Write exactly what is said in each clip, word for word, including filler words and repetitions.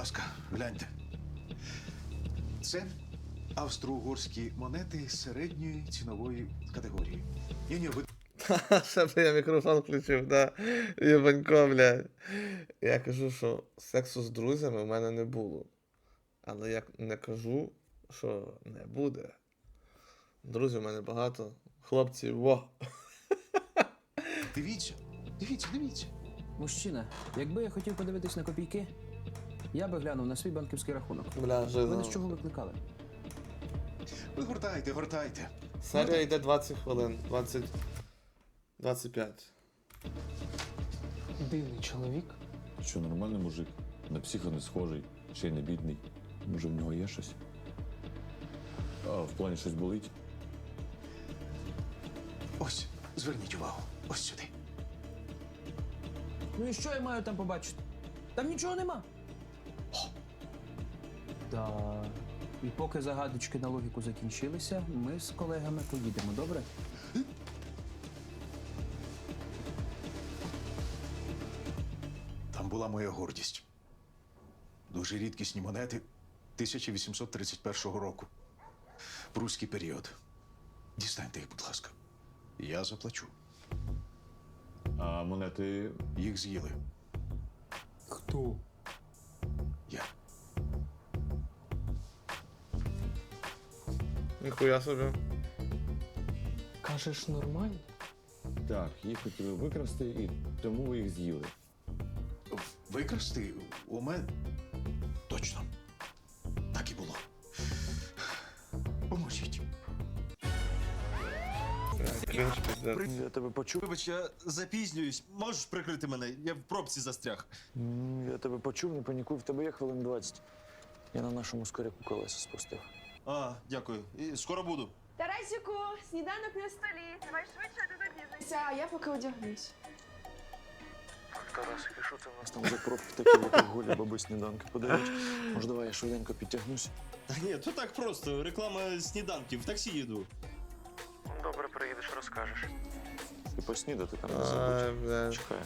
ласка, гляньте. Це австро-угорські монети середньої цінової категорії. Ні-ні, ви Ще б я мікрофон включив, да. Єбанько, блядь. Я кажу, що сексу з друзями в мене не було. Але я не кажу, що не буде. Друзів у мене багато. Хлопці, во. дивіться, дивіться, дивіться. Мужчина, якби я хотів подивитись на копійки, я би глянув на свій банківський рахунок. Бля, Ви жиза. не з чого викликали? Ви гортайте, гортайте. Серія йде двадцять хвилин. двадцять... двадцять п'ять. Дивний чоловік. Що нормальний мужик, на психа не схожий, ще й не бідний. Може, в нього є щось? А в плані щось болить? Ось, зверніть увагу. Ось сюди. Ну і що я маю там побачити? Там нічого нема. О! Да. І поки загадочки на логіку закінчилися, ми з колегами поїдемо, добре? Там була моя гордість. Дуже рідкісні монети тисяча вісімсот тридцять першого року. Прусський період. Дістаньте їх, будь ласка. Я заплачу. А монети. Їх з'їли. Хто? Я. Ніхуя собі. Кажеш, нормально? Так, їх хотіли викрасти, і тому ви їх з'їли. Викрасти у мене? Точно. Так і було. Поможіть. Блядь, кринж, пиздец. Я тебе почув. Вибач, я запізнююсь. Можеш прикрити мене? Я в пробці застряг. М, Я тебе почув, не панікуй, в тебе є хвилин двадцять. Я на нашому скоряку колеса спустив. А, дякую. І скоро буду. Тарасику, сніданок на столі. Давай швидше, а ти запізнишся. А я поки одягнусь. Тарас, і що це в нас там за пробки такі, в яких голі баби сніданки подають? Може, давай я швиденько підтягнусь? Та ні, то так просто. Реклама сніданків. В таксі їду. Добре, приїдеш, розкажеш. І поснідати там не Ай, забудь. блядь. Чекаю.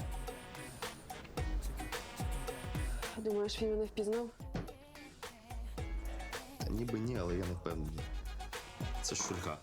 Думаєш, він мене впізнав? Та ніби ні, але я не впевнений. Це ж Шульга.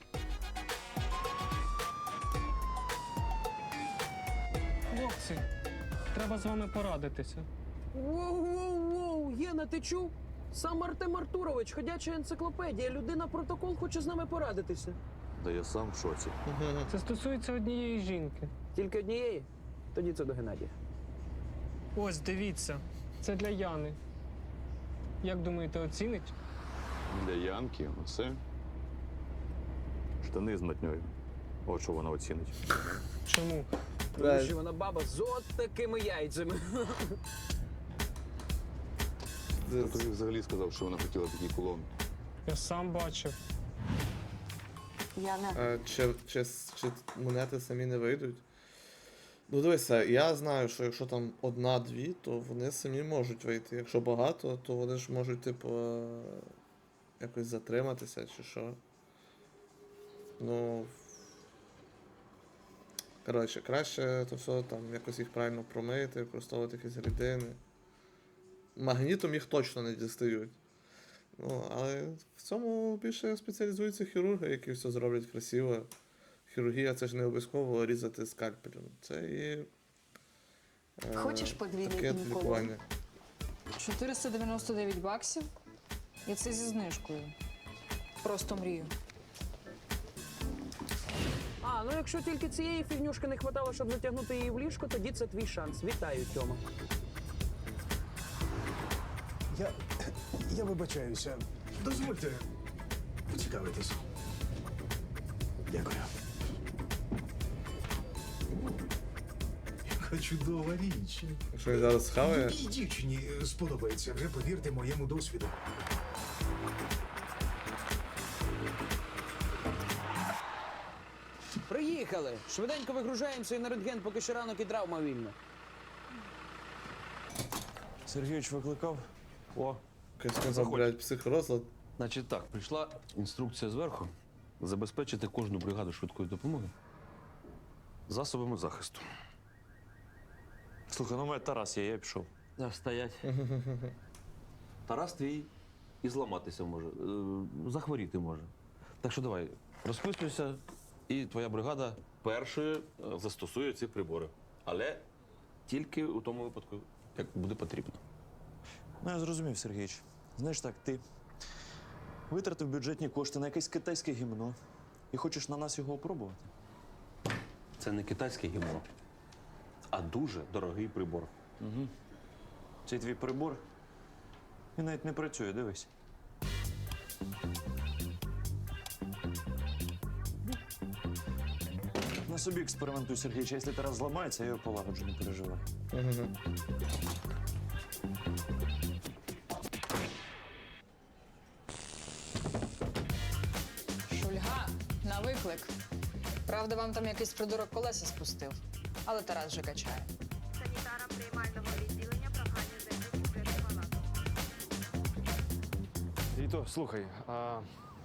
Хлопці, треба з вами порадитися. Воу-воу-воу, Єна, ти чув? Сам Артем Артурович, ходяча енциклопедія, людина протокол хоче з нами порадитися. Да я сам в шоці. Це стосується однієї жінки. Тільки однієї? Тоді це до Геннадія. Ось, дивіться, це для Яни. Як думаєте, оцінить? Для Янки оце. Штани з матньою. От що вона оцінить. Чому? Тому Блядь. що вона баба з от такими яйцями. Хто тобі взагалі сказав, що вона хотіла такий кулон? Я сам бачив. Я не. А, чи, чи, чи монети самі не вийдуть? Ну дивися, я знаю, що якщо там одна-дві, то вони самі можуть вийти. Якщо багато, то вони ж можуть, типу, е, якось затриматися чи що. Ну. Коротше, краще то все там якось їх правильно промити, використовувати якісь рідини. Магнітом їх точно не дістають. Ну, але в цьому більше спеціалізуються хірурги, які все зроблять красиво. Хірургія це ж не обов'язково різати скальпелем. Це і. Е, Хочеш подвійний таке гінеколог? лікування. чотириста дев'яносто дев'ять баксів. І це зі знижкою. Просто мрію. А, ну якщо тільки цієї фігнюшки не вистачало, щоб затягнути її в ліжко, тоді це твій шанс. Вітаю, Тьома. Я. Я вибачаюся. Дозвольте поцікавитись. Дякую. Яка чудова річ. Якщо він зараз схаває. Якій дівчині сподобається, вже повірте моєму досвіду. Приїхали! Швиденько вигружаємося і на рентген, поки ще ранок і травма вільна. Сергійович викликав? О, Якась сказав, блядь, психорозлад. Значить так, прийшла інструкція зверху забезпечити кожну бригаду швидкої допомоги засобами захисту. слухай, ну у мене Тарас є, я пішов. Да, стоять. Тарас твій і зламатися може, е, захворіти може. Так що давай, розписуйся, і твоя бригада першою е, застосує ці прибори. Але тільки у тому випадку, як буде потрібно. Ну, я зрозумів, Сергійович. Знаєш так, ти витратив бюджетні кошти на якесь китайське гімно і хочеш на нас його опробувати? Це не китайське гімно, а дуже дорогий прибор. Угу. Цей твій прибор, він навіть не працює, дивись. На собі експериментуй, Сергійович. Якщо Тарас зламається, я його полагоджу, не переживай. Угу. Шульга на виклик. Правда, вам там якийсь придурок колеса спустив, але Тарас вже качає. Санітарам приймального відділення прохання зайти у закриту палату. Віто, слухай, а...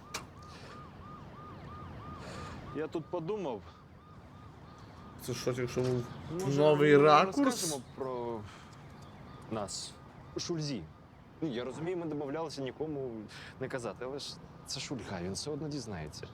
я тут подумав. Це що, якщо був Може, новий ми ракурс? розкажемо про нас. Шульзі. Ну, я розумію, ми домовлялися нікому не казати, але ж це Шульга, він все одно дізнається.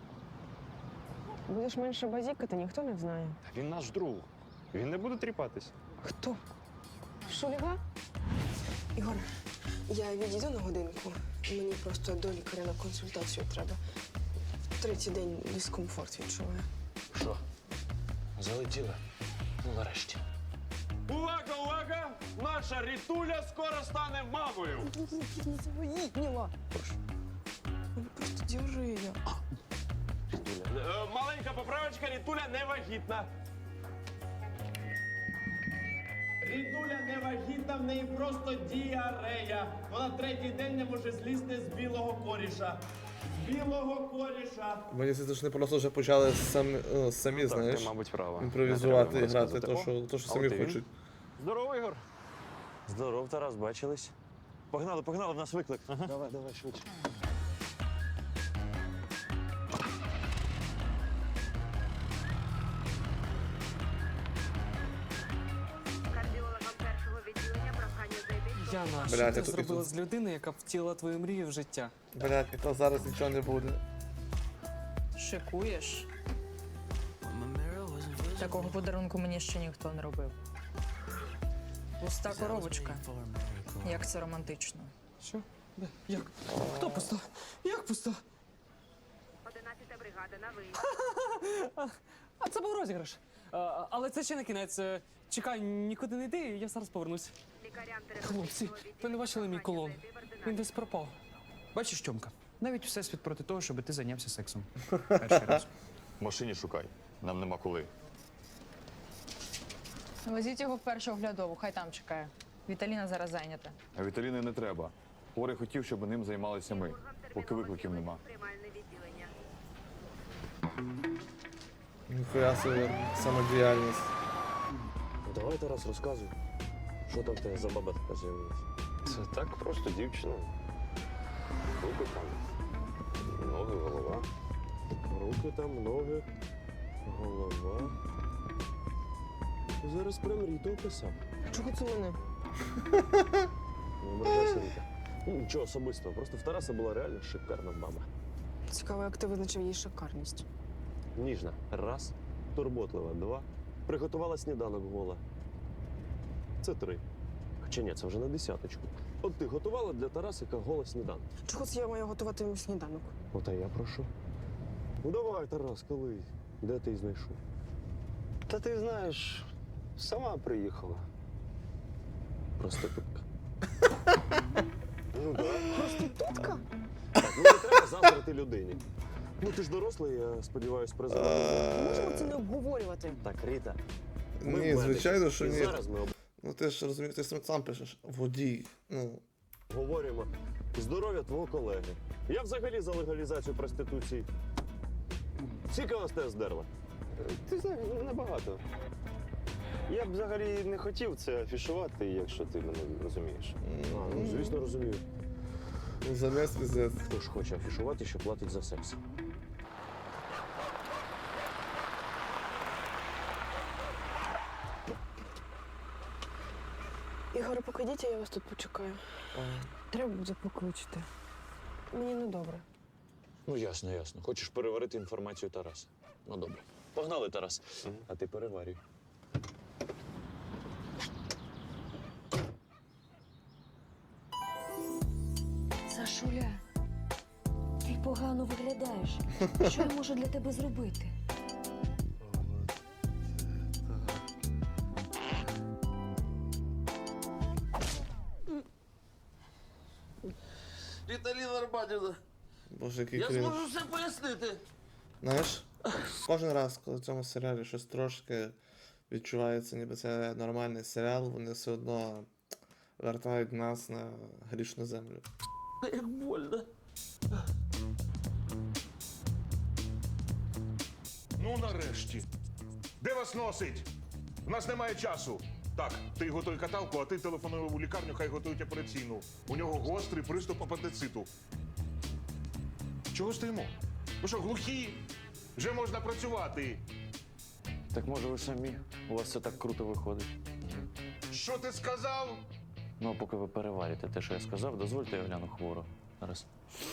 Будеш менше базікати, ніхто не знає. Та він наш друг. Він не буде тріпатись. Хто? Шульга? Ігор, я відійду на годинку. Мені просто до лікаря на консультацію треба. Третій день дискомфорт відчуваю. Що? Залетіла? Ну, нарешті. Увага, увага! Наша Рітуля скоро стане мамою! Не завагітніла. Вона просто діжує. Е, Маленька поправочка, Рітуля не вагітна. Рідуля не вагітна, в неї просто діарея. Вона третій день не може злізти з білого коріша. З білого коріша. Мені здається, що не просто вже почали самі, ну, самі Так, знаєш, ти, мабуть, права. імпровізувати і Не треба грати, йому то, розказувати. що, то, що А самі от і він. хочуть. Здорово, Ігор. Здоров, Тарас, бачились. Погнали, погнали, в нас виклик. Давай, давай, швидше. Кардіологам першого відділення прохання зайти. Яна, Бля, що я ти тут- зробила тут- з людини, яка втілила твою мрію в життя? Блядь, і то зараз нічого не буде. Шикуєш? Такого подарунку мені ще ніхто не робив. Пуста коробочка. Як це романтично. Що? Де? Як? Хто пуста? Як пуста? одинадцята бригада на виїзд. А це був розіграш. А, але це ще не кінець. Е, Чекай, нікуди не йди, я зараз повернусь. Лікарям Хлопці, ви не бачили мій колон? Він десь пропав. Бачиш, Тьомка, навіть всесвіт проти того, щоб ти зайнявся сексом. Перший раз. В машині шукай. Нам нема коли. Везіть його в першу оглядову, хай там чекає. Віталіна зараз зайнята. А Віталіни не треба. Хворий хотів, щоб ним займалися ми, поки викликів нема. Приймальне відділення. Ніхуя собі самодіяльність. Давай, Тарас, розказуй. Що там в тебе за баба така з'явилася? Це так просто дівчина. Руки там, ноги, голова. Руки там, ноги, голова. Зараз прям Ріту описав. Чого це мене? Не ображайся, Ріта. Ну, нічого особистого, просто в Тараса була реально шикарна баба. Цікаво, як ти визначив її шикарність. Ніжна. Раз. Турботлива. Два. Приготувала сніданок гола. Це три. Хоча ні, це вже на десяточку. От ти готувала для Тарасика гола сніданок. Чого це я маю готувати йому сніданок? От а я прошу. Ну давай, Тарас, коли? Де ти її знайшов? Та ти знаєш, сама приїхала. Проститутка. Ну так. Проститутка? Так, ну не треба заздрити людині. Ну ти ж дорослий, я сподіваюся, презерватив. Можемо це не обговорювати. Так, Ріта. ми Ні, медики, звичайно, що і ні. зараз ми Ну ти ж розумієш, ти сам пишеш. Водій. Ну, обговорюємо здоров'я твого колеги. Я взагалі за легалізацію проституції. Скільки вона з тебе здерла? Ти знаєш, небагато. Я б взагалі не хотів це афішувати, якщо ти мене розумієш. А, ну, звісно, розумію. замість пиздець. Хто ж хоче афішувати, що платить за секс? Ігор, поки ходіть, а я вас тут почекаю. Ага. Треба буде покличити. Мені недобре. Ну, ясно, ясно. Хочеш переварити інформацію Тараса. Ну, добре. Погнали, Тарас. А ти переварюй. Сашуля, ти погано виглядаєш. Що я можу для тебе зробити? Віталіна Арбатівна, Боже, який я крінж. зможу все пояснити. Знаєш, кожен раз, коли в цьому серіалі щось трошки відчувається, ніби це нормальний серіал, вони все одно вертають нас на грішну землю. Як больно. Ну, нарешті. Де вас носить? У нас немає часу. Так, ти готуй каталку, а ти телефонуй у лікарню, хай готують операційну. У нього гострий приступ апендициту. Чого стоїмо? Ви що, глухі? Вже можна працювати. Так може ви самі? У вас все так круто виходить. Що ти сказав? Ну, а поки ви переварите те, що я сказав, дозвольте я гляну хворо. Зараз.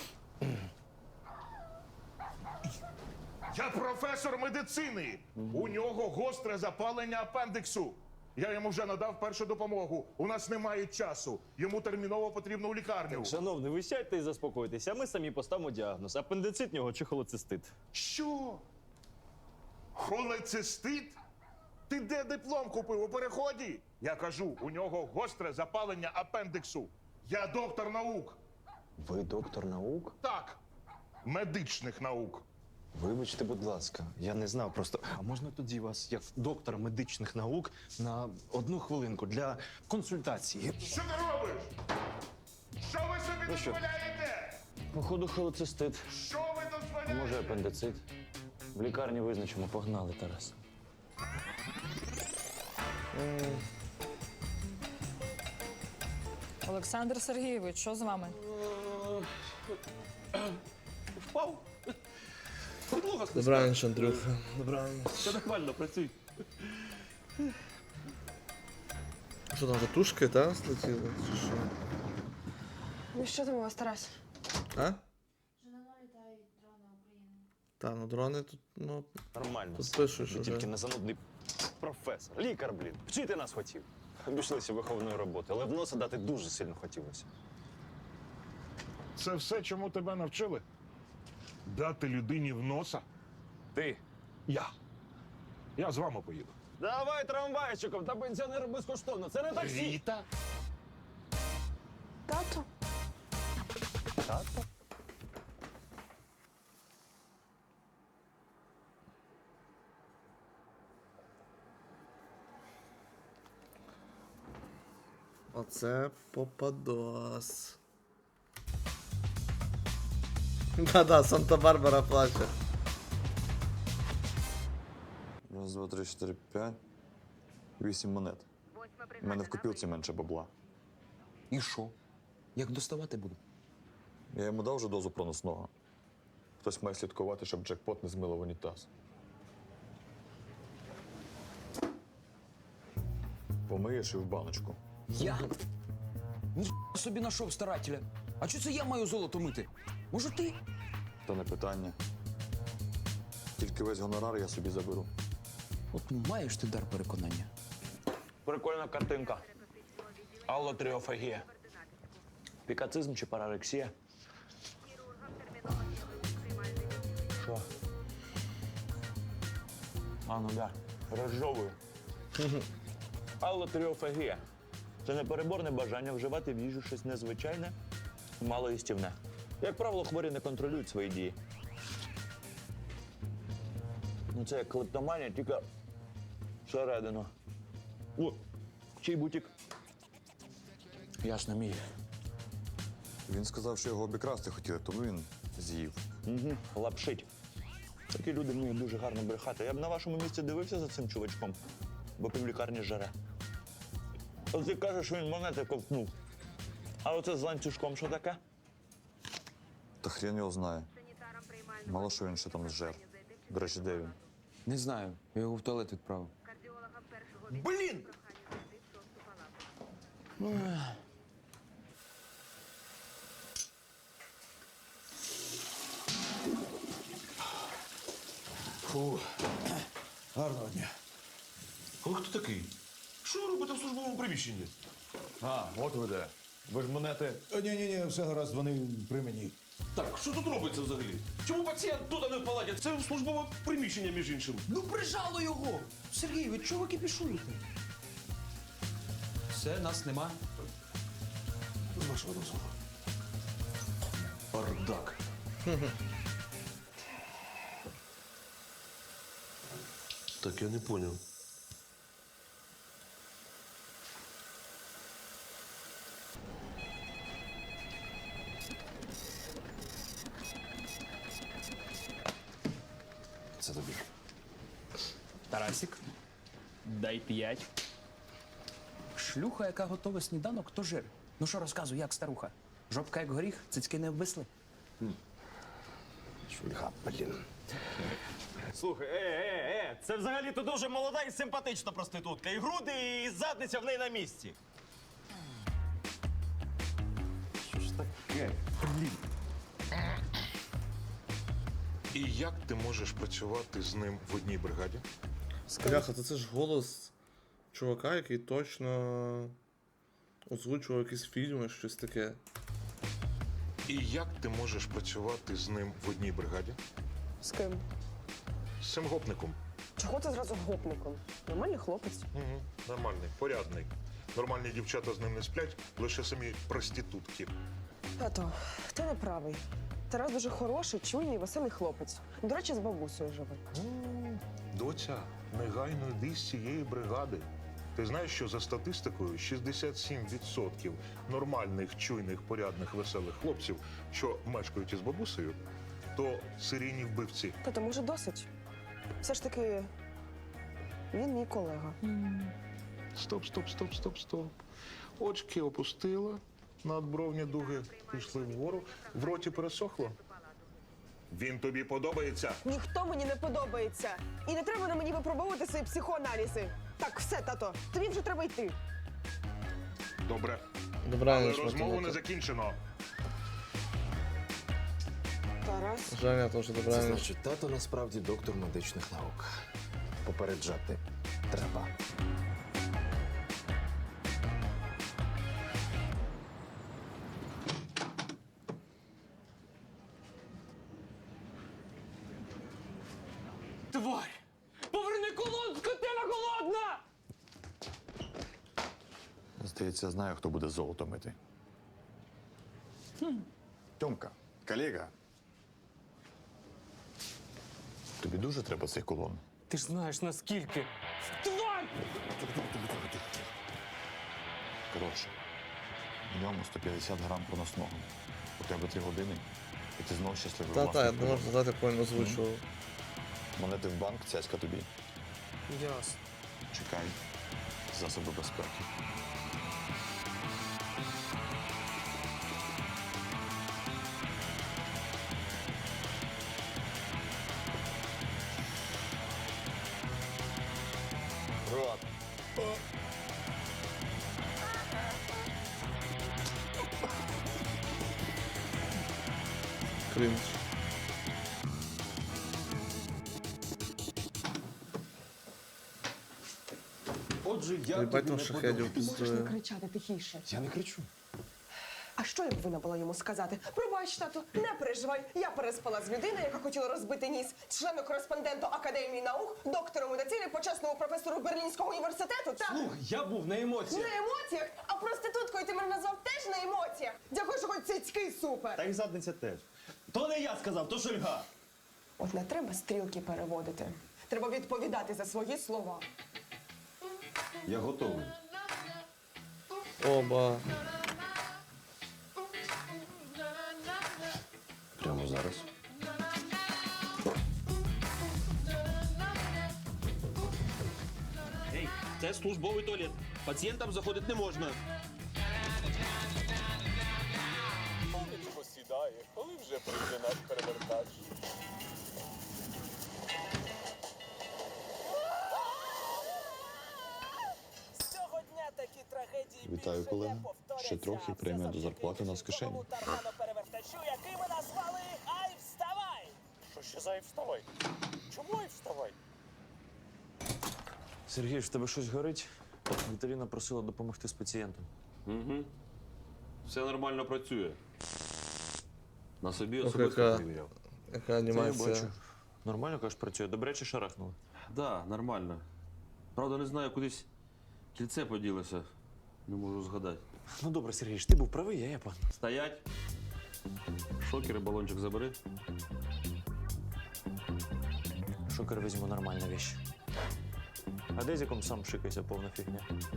Я професор медицини. У нього гостре запалення апендиксу. Я йому вже надав першу допомогу. У нас немає часу. Йому терміново потрібно у лікарню. Шановний, ви сядьте і заспокойтеся, а ми самі поставимо діагноз. Апендицит в нього чи холецистит. Що? Холецистит? Ти де диплом купив у переході? Я кажу, у нього гостре запалення апендиксу. Я доктор наук. Ви доктор наук? Так, медичних наук. Вибачте, будь ласка, я не знав просто. А можна тоді вас, як доктора медичних наук, на одну хвилинку для консультації? Що ти робиш? Що ви собі Ну що? дозволяєте? Походу, холецистит. Що ви А дозволяєте? може апендицит? В лікарні визначимо. Погнали, Тарас. Олександр Сергійович, що з вами? Впав. Підлога стисла. Добраніч, Андрюха. Добраніч. Все нормально, працюй. Що там, тушки, та, злетіли? Чи що? Ну що там у вас, Тарас? А? Та, ну дрони тут, ну, Нормально. тут пишуть, Ви що тільки вже. не занудний професор. Лікар, блін. Вчити нас хотів. Обійшлися виховної роботи, але в носа дати дуже сильно хотілося. Це все, чому тебе навчили? Дати людині в носа? Ти. Я. Я з вами поїду. Давай трамвайчиком, та пенсіонери безкоштовно. Це не таксі. Ріта? Тато? Тато? Оце попадос. Да-да, Санта-Барбара плаче. Раз, два, три, чотири, п'ять. Вісім монет. У мене в копілці менше бабла. І що? Як доставати буду? Я йому дав вже дозу проносного. Хтось має слідкувати, щоб джекпот не змило в унітаз. Помиєш і в баночку. Я? Ні собі нашов старателя. А чого це я маю золото мити? Може ти? То не питання. Тільки весь гонорар я собі заберу. От маєш ти дар переконання. Прикольна картинка. Аллотріофагія. Пікацизм чи парарексія? Що? А, ну да. Розжовую. Аллотріофагія. Це непереборне бажання вживати в їжу щось незвичайне, малоїстівне. Як правило, хворі не контролюють свої дії. Ну це як клептоманія, тільки всередину. О, чий бутік? Ясно, мій. Він сказав, що його обікрасти хотіли, тому він з'їв. Угу, лапшить. Такі люди вміють дуже гарно брехати. Я б на вашому місці дивився за цим чувачком, бо півлікарні жаре. От ти кажеш, що він монети ковтнув. А оце з ланцюжком що таке? Та хрен його знає. Мало що він ще там зжер. До речі, де він? Не знаю, я його в туалет відправив. Блін! Фу. Гарного дня. Ви хто такий? Що ви робите в службовому приміщенні? А, от ви де. Ви ж монети. Ні-ні-ні, все гаразд, вони при мені. Так, що тут робиться взагалі? Чому пацієнт тут, а не в палаті? Це службове приміщення, між іншим. Ну прижало його! Сергій, ви чого ви кипішуєте? Все, нас нема. З вашого дозволу. Бардак. Так, я не поняв. Це тобі. Тарасик, дай п'ять. Шлюха, яка готова сніданок, то жир. Ну що, розказуй, як старуха? Жопка як горіх, цицьки не обвисли. Шульга, блін. Слухай, е, е, е, це взагалі-то дуже молода і симпатична проститутка. І груди, і задниця в неї на місці. Що ж таке? Блін. І як ти можеш працювати з ним в одній бригаді? Бляха, то це ж голос чувака, який точно озвучував якісь фільми, щось таке. І як ти можеш працювати з ним в одній бригаді? З ким? З цим гопником. Чого ти зразу гопником? Нормальний хлопець. Угу. Нормальний, порядний. Нормальні дівчата з ним не сплять, лише самі проститутки. Тато, ти не правий. Тарас дуже хороший, чуйний, веселий хлопець. До речі, з бабусею живе. М, Доця, негайно йди з цієї бригади. Ти знаєш, що за статистикою шістдесят сім відсотків нормальних, чуйних, порядних, веселих хлопців, що мешкають із бабусею, то серійні вбивці. Тато, може, досить? Все ж таки, він мій колега. Стоп, стоп, стоп, стоп, стоп. Очки опустила, надбровні дуги пішли вгору, в роті пересохло. Він тобі подобається? Ніхто мені не подобається. І не треба на мені випробовувати свої психоаналізи. Так, все, тато, тобі вже треба йти. Добре. Але Добраніч, розмову не математик. закінчено. Тарас. Женя теж Це добраніч. значить, тато насправді доктор медичних наук. Попереджати треба. Тварь! Поверни колон, скотина голодна! Здається, я знаю, хто буде золото мити. Тьомка, колега. Тобі дуже треба цей кулон? Ти ж знаєш наскільки. Тварь! Коротше, в ньому сто п'ятдесят грам проносного. У тебе три години, і ти знов щасливий Та-та, я власник не можу вибору. знати, як він озвучував. Монети в банк, цяцька тобі. Ясно. Чекай. Засоби безпеки. Рот. Крінж. Отже, я Їбать тобі там не шахедів подобаюсь. піздує. кричати тихіше. Я не кричу. А що я повинна була йому сказати? Пробач, тату, не переживай. Я переспала з людиною, яка хотіла розбити ніс, члену-кореспонденту Академії наук, доктору медицини, почесному професору Берлінського університету. Так, Слухай, я був на емоціях. на емоціях, а проституткою ти мене назвав теж на емоціях. Дякую, що хоч цицьки супер. Та й задниця теж. То не я сказав, то Шульга. От не треба стрілки переводити. Треба відповідати за свої слова. Я готовий. Оба. Прямо зараз. Ей, це службовий туалет. Пацієнтам заходити не можна. Сонечко сідає, коли вже прийде наш перевертач. З цього дня такі трагедії Вітаю, колега. Ще трохи премія до зарплати у нас в кишені. Перевертачу, який ми назвали Ай, вставай! Що ще за Ай, вставай? Чому Ай, вставай? Сергій, в тебе щось горить? Віталіна просила допомогти з пацієнтом. Угу. Все нормально працює. На собі Ох, особисто яка- перевіряв. Яка Це я анімація. бачу. Нормально, кажеш, працює. Добре чи шарахнуло? Да, нормально. Правда, не знаю, кудись кільце поділося. Не можу згадати. Ну добре, Сергій, ж ти був правий, я Япон. Стоять. Шокер і балончик забери. Шокер візьму, нормальна віч. А дезіком сам шикайся, повна фігня.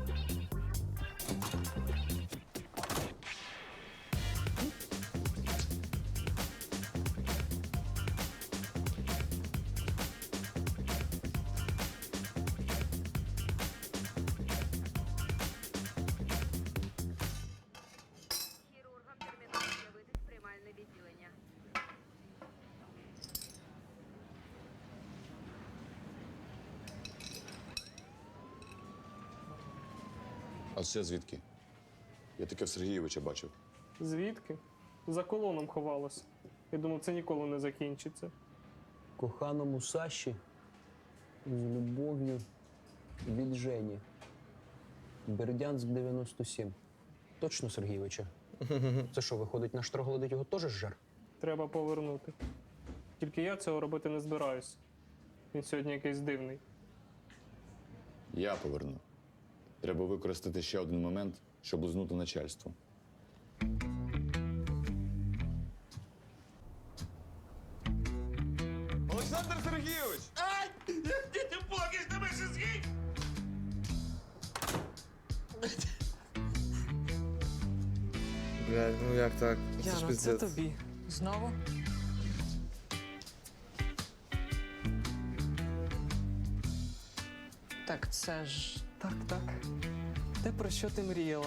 Хірургам терміново з'явитись в приймальне відділення. А це звідки? Я таке в Сергійовича бачив. Звідки? За колоном ховалося. Я думав, це ніколи не закінчиться. Коханому Саші з любов'ю від Жені. Бердянськ дев'яносто сім. Точно, Сергійовича? Це що, виходить, наш троглодит його теж жар? Треба повернути. Тільки я цього робити не збираюсь. Він сьогодні якийсь дивний. Я поверну. Треба використати ще один момент, щоб лизнути начальство. Олександр Сергійович! Ай! Ти плакаєш, тебе ще згідь! Блядь, ну як так? Це ж Яна, це пиздець. тобі. Знову? Так це ж. Так, так. Те, про що ти мріяла?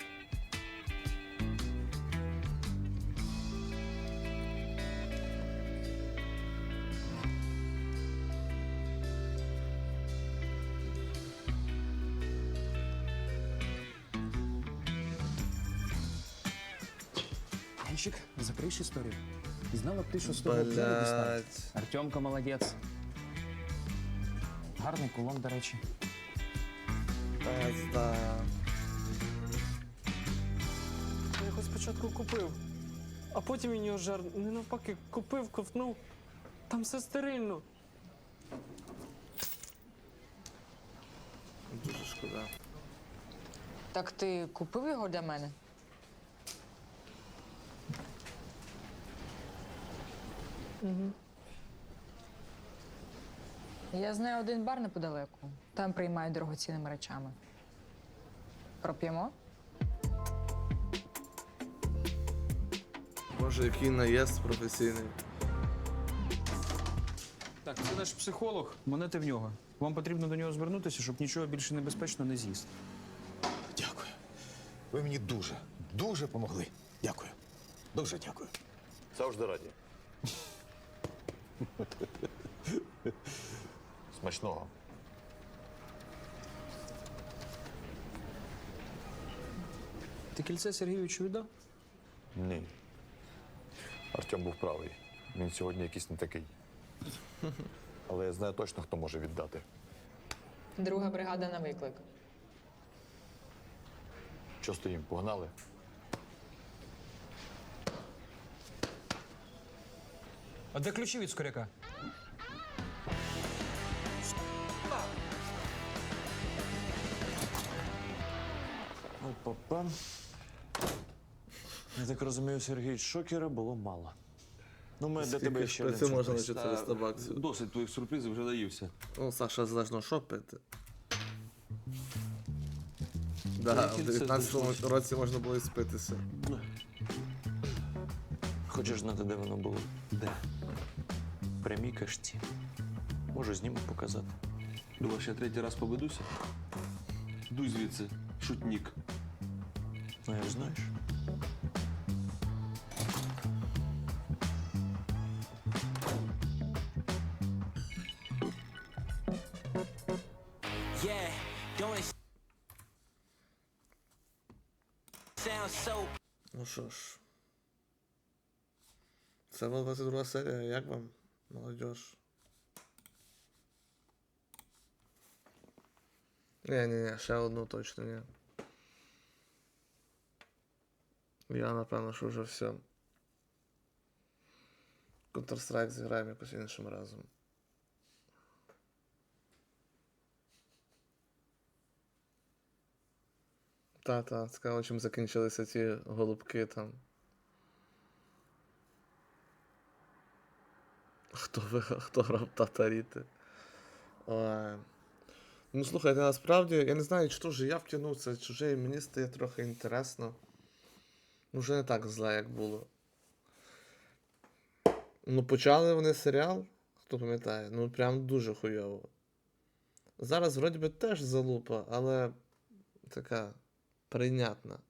Янчик, закриєш історію. І знала б ти, що з того взяли дістав. Блядь. Артемка молодець. Гарний кулон, до речі. Пизда. Я його спочатку купив, а потім він його жар не навпаки купив, ковтнув. Там все стерильно. Дуже шкода. Так ти купив його для мене? Угу. Я знаю один бар неподалеку. Там приймають дорогоцінними речами. Проп'ємо? Боже, який наїзд професійний. Так, це наш психолог. Монети в нього. Вам потрібно до нього звернутися, щоб нічого більше небезпечно не з'їсти. Дякую. Ви мені дуже, дуже помогли. Дякую. Дуже дякую. Завжди раді. Смачного. Ти кільце Сергійовичу віддав? Ні. Артем був правий. Він сьогодні якийсь не такий. Але я знаю точно, хто може віддати. Друга бригада на виклик. Що стоїм? Погнали? А де ключі від скоряка? Опа-па. Я так розумію, Сергій, шокера було мало. Ну, ми для тебе ще один Це можна на сюрприз. чотириста баксів. Досить твоїх сюрпризів вже наївся. Ну, Саша, залежно що пити. Да, в кільце дев'ятнадцятому знайшлося. році можна було і спитися. Хочеш знати, де воно було? Де? В прямій кашті. Можу знімок показати. Думаєш, я третій раз поведуся? Дуй звідси, шутнік. Ну, як знаєш. Ну що ж. Це була двадцять друга серія. Як вам, молодіж? Ні-ні-ні, ще одну точно ні. Я, напевно, що вже все. Counter-Strike зіграємо якось іншим разом. Та-та, цікаво, чим закінчилися ці голубки там. Хто виграв, хто грав татаріти? Ой. Ну, слухайте, насправді, я не знаю, чи то вже я втягнувся, чи вже і мені стає трохи інтересно. Ну, вже не так зле, як було. Ну, почали вони серіал, хто пам'ятає, ну прям дуже хуйово. Зараз, вроді би, теж залупа, але така прийнятна.